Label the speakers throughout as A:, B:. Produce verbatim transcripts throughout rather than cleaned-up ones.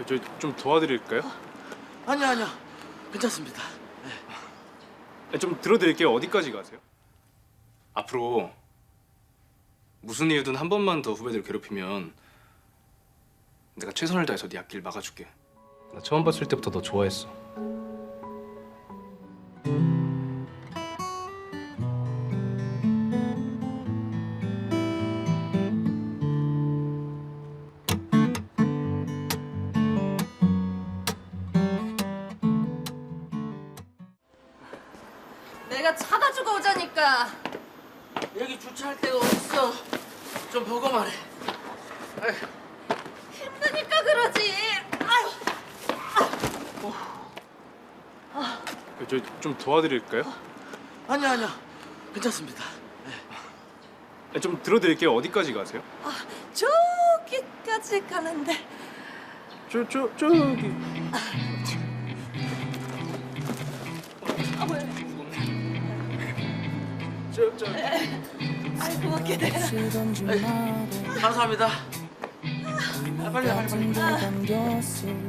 A: 저 좀 도와드릴까요?
B: 아니요 아니요 괜찮습니다.
A: 네. 좀 들어드릴게요. 어디까지 가세요? 앞으로 무슨 이유든 한 번만 더 후배들 괴롭히면 내가 최선을 다해서 네 앞길 막아줄게. 나 처음 봤을 때부터 너 좋아했어.
C: 내가 차 가지고 오자니까.
B: 여기 주차할 데가 어딨어? 좀 보고 말해. 아휴.
C: 힘드니까 그러지. 아유.
A: 저 좀 도와드릴까요?
B: 아니요 아니요 괜찮습니다.
A: 네. 좀 들어드릴게요. 어디까지 가세요?
C: 아, 저기까지 가는데.
A: 저, 저, 저기.
C: 아, 왜?
A: 저, 저.
C: 아이고, 기대라.
B: 감사합니다. 아, 빨리 가, 빨리 빨리.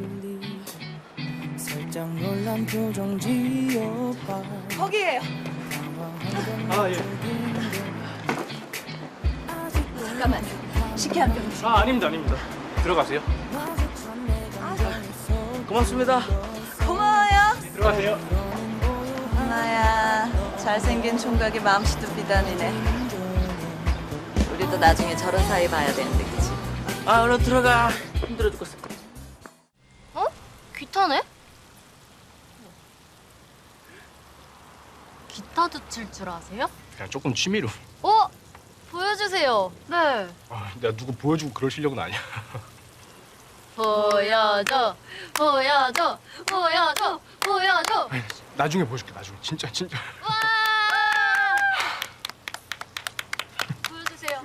D: 살짝 놀란 표정 지어봐.
C: 거기에요.
A: 아, 예.
C: 잠깐만요. 식혜 한 병 주세요.
A: 아, 아닙니다, 아닙니다. 들어가세요.
B: 고맙습니다.
C: 고마워요.
A: 들어가세요.
C: 하나야, 잘생긴 총각이 마음씨도 비단이네. 우리도 나중에 저런 사이 봐야 되는데, 그치?
B: 아 얼른 들어가. 힘들어 죽겠어.
E: 어? 기타네? 기타도 칠 줄 아세요?
A: 그냥 조금 취미로.
E: 어? 보여주세요. 네.
A: 아, 내가 누구 보여주고 그럴 실력은 아니야.
E: 보여줘, 보여줘, 보여줘, 보여줘.
A: 아니, 나중에 보여줄게, 나중에. 진짜, 진짜.
E: 와! 보여주세요.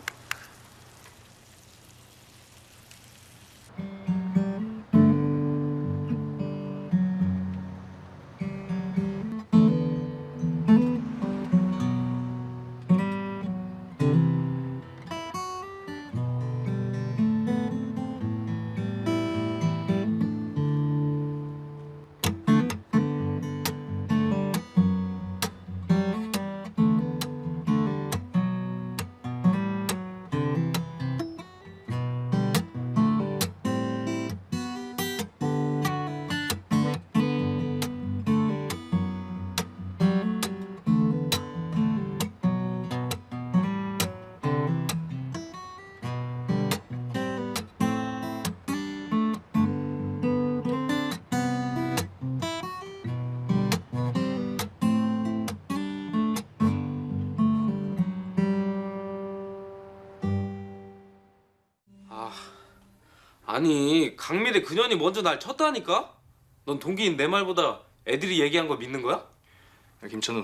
F: 아, 아니 강미래 그년이 먼저 날 쳤다니까? 넌 동기인 내 말보다 애들이 얘기한 거 믿는 거야?
A: 야, 김천우.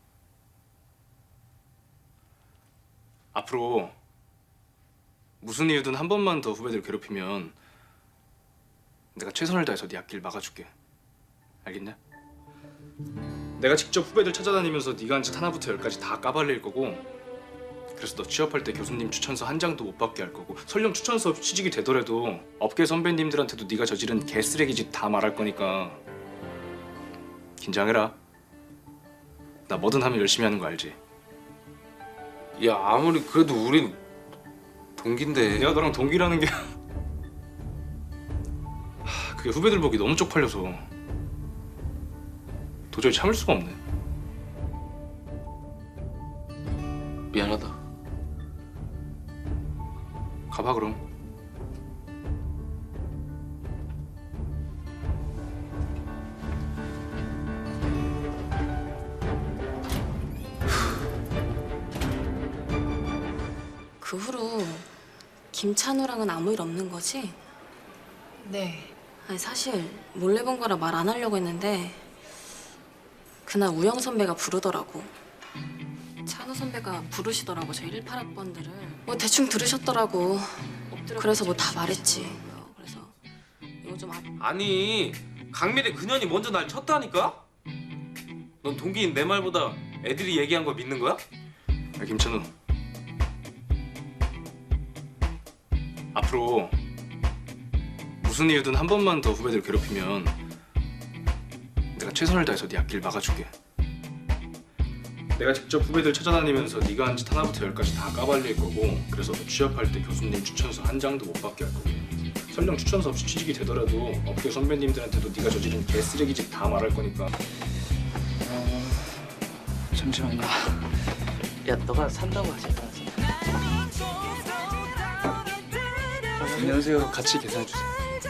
A: 앞으로 무슨 이유든 한 번만 더 후배들 괴롭히면 내가 최선을 다해서 네 앞길 막아줄게. 알겠냐? 내가 직접 후배들 찾아다니면서 네가 한 짓 하나부터 열까지 다 까발릴 거고, 그래서 너 취업할 때 교수님 추천서 한 장도 못 받게 할 거고, 설령 추천서 없이 취직이 되더라도 업계 선배님들한테도 네가 저지른 개쓰레기 짓 다 말할 거니까 긴장해라. 나 뭐든 하면 열심히 하는 거 알지?
F: 야 아무리 그래도 우린 동기인데.
A: 내가 너랑 동기라는 게 하, 그게 후배들 보기 너무 쪽팔려서 도저히 참을 수가 없네.
F: 미안하다.
A: 가봐 그럼.
G: 그 후로 김찬우랑은 아무 일 없는 거지?
E: 네.
G: 아니 사실 몰래 본 거라 말 안 하려고 했는데 그날 우영 선배가 부르더라고. 찬우 선배가 부르시더라고 저 일팔 학번들을. 뭐 대충 들으셨더라고. 그래서 뭐 다 말했지. 그래서 이거 좀 아...
F: 아니 강미래 그년이 먼저 날 쳤다니까? 넌 동기인 내 말보다 애들이 얘기한 거 믿는 거야?
A: 야, 김천우. 앞으로 무슨 이유든 한 번만 더 후배들 괴롭히면 내가 최선을 다해서 네 앞길 막아줄게. 내가 직접 후배들 찾아다니면서 네가 한 짓 하나부터 열까지 다 까발릴 거고, 그래서 너 취업할 때 교수님 추천서 한 장도 못 받게 할 거고, 설령 추천서 없이 취직이 되더라도 업계 선배님들한테도 네가 저지른 개쓰레기짓 다 말할 거니까.
B: 잠시만요. 야, 너가 산다고 하지 않았어?
A: 안녕하세요. 같이 계산해 주세요.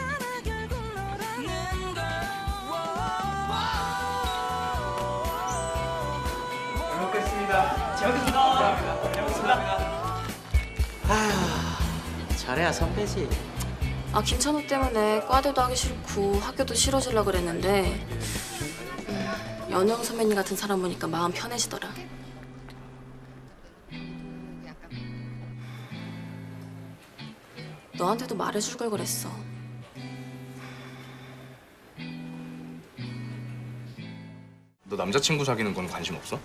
B: 잘해야 선배지.
G: 아 김찬호 때문에 과대도 하기 싫고 학교도 싫어지려 그랬는데 음, 연영 선배님 같은 사람 보니까 마음 편해지더라. 너한테도 말해줄 걸 그랬어.
A: 너 남자친구 사귀는 건 관심 없어?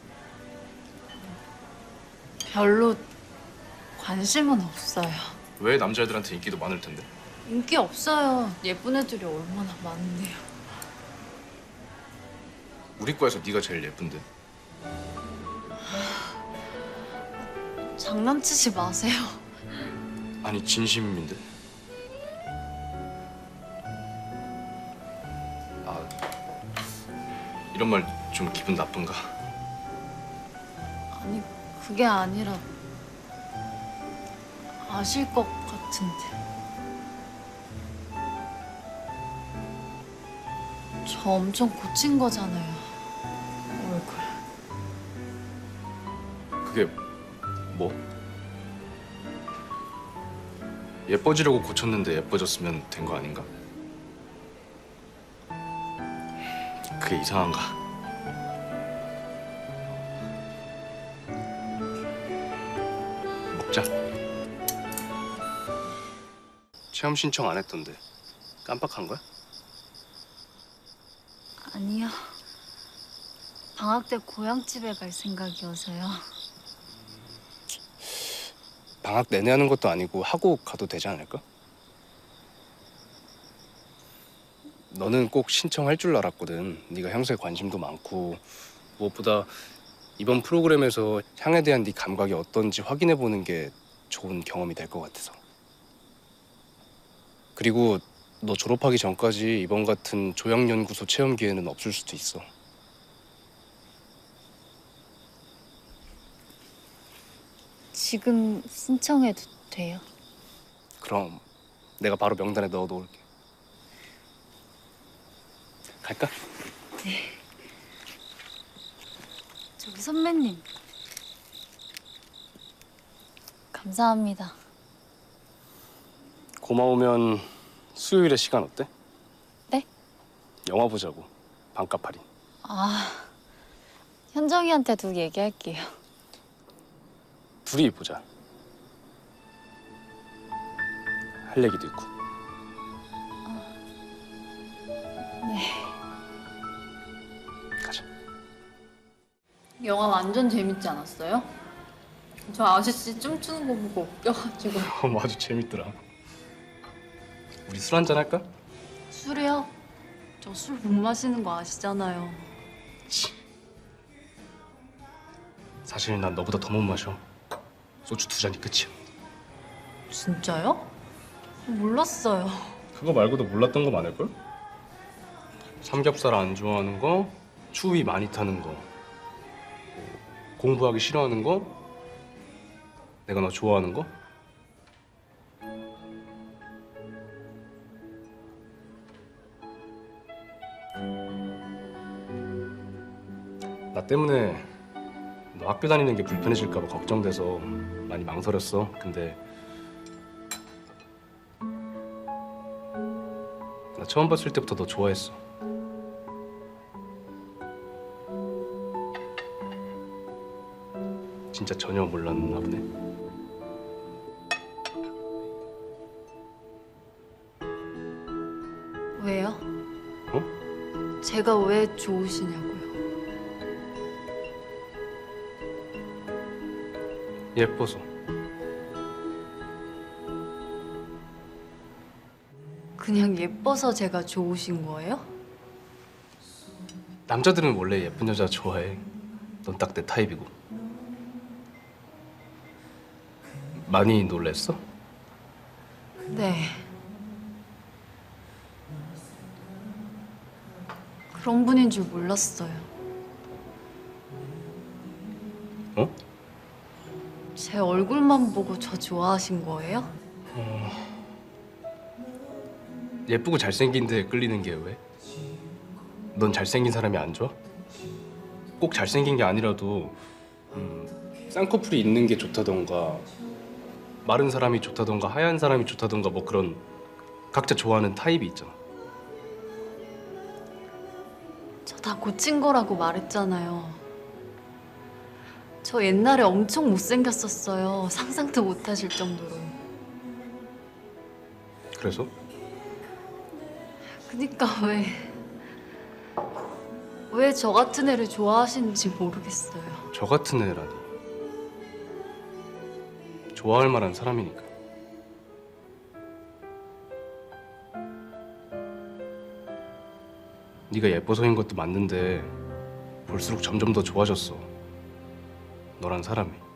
E: 별로 관심은 없어요.
A: 왜 남자애들한테 인기도 많을 텐데?
E: 인기 없어요. 예쁜 애들이 얼마나 많은데요.
A: 우리 과에서 네가 제일 예쁜데.
E: 장난치지 마세요.
A: 아니 진심인데. 아 이런 말 좀 기분 나쁜가?
E: 아니, 그게 아니라 아실 것 같은데. 저 엄청 고친 거잖아요. 얼굴.
A: 그게 뭐? 예뻐지려고 고쳤는데 예뻐졌으면 된 거 아닌가? 그게 이상한가? 먹자. 체험 신청 안 했던데 깜빡한 거야?
E: 아니요. 방학 때 고향집에 갈 생각이어서요.
A: 방학 내내 하는 것도 아니고 하고 가도 되지 않을까? 너는 꼭 신청할 줄 알았거든. 네가 향수에 관심도 많고 무엇보다 이번 프로그램에서 향에 대한 네 감각이 어떤지 확인해 보는 게 좋은 경험이 될 것 같아서. 그리고 너 졸업하기 전까지 이번 같은 조향연구소 체험 기회는 없을 수도 있어.
E: 지금 신청해도 돼요?
A: 그럼 내가 바로 명단에 넣어 놓을게. 갈까?
E: 저기 선배님. 감사합니다.
A: 고마우면 수요일에 시간 어때?
E: 네?
A: 영화 보자고. 반값 할인.
E: 아, 현정이한테도 얘기할게요.
A: 둘이 보자. 할 얘기도 있고.
E: 네.
A: 가자.
E: 영화 완전 재밌지 않았어요? 저 아저씨 춤추는 거 보고 웃겨가지고.
A: 어, 아주 재밌더라. 우리 술 한잔 할까?
E: 술이요? 저 술 못 마시는 거 아시잖아요.
A: 사실 난 너보다 더 못 마셔. 소주 두 잔이 끝이야.
E: 진짜요? 몰랐어요.
A: 그거 말고도 몰랐던 거 많을걸? 삼겹살 안 좋아하는 거, 추위 많이 타는 거, 공부하기 싫어하는 거, 내가 너 좋아하는 거? 나 때문에 너 학교 다니는 게 불편해질까 봐 걱정돼서 많이 망설였어. 근데 나 처음 봤을 때부터 너 좋아했어. 진짜 전혀 몰랐나 보네.
E: 왜요?
A: 어?
E: 제가 왜 좋으시냐고요?
A: 예뻐서.
E: 그냥 예뻐서 제가 좋으신 거예요?
A: 남자들은 원래 예쁜 여자 좋아해. 넌 딱 내 타입이고. 많이 놀랬어?
E: 네. 그런 분인 줄 몰랐어요.
A: 어?
E: 제 얼굴만 보고 저 좋아하신 거예요?
A: 예쁘고 잘생긴데 끌리는 게 왜? 넌 잘생긴 사람이 안 좋아? 꼭 잘생긴 게 아니라도 음, 쌍꺼풀이 있는 게 좋다던가 마른 사람이 좋다던가 하얀 사람이 좋다던가 뭐 그런 각자 좋아하는 타입이 있잖아.
E: 저 다 고친 거라고 말했잖아요. 저 옛날에 엄청 못생겼었어요. 상상도 못 하실 정도로.
A: 그래서?
E: 그니까 왜... 왜 저 같은 애를 좋아하시는지 모르겠어요.
A: 저 같은 애라니. 좋아할 만한 사람이니까. 네가 예뻐서인 것도 맞는데 볼수록 점점 더 좋아졌어. 너란 사람이.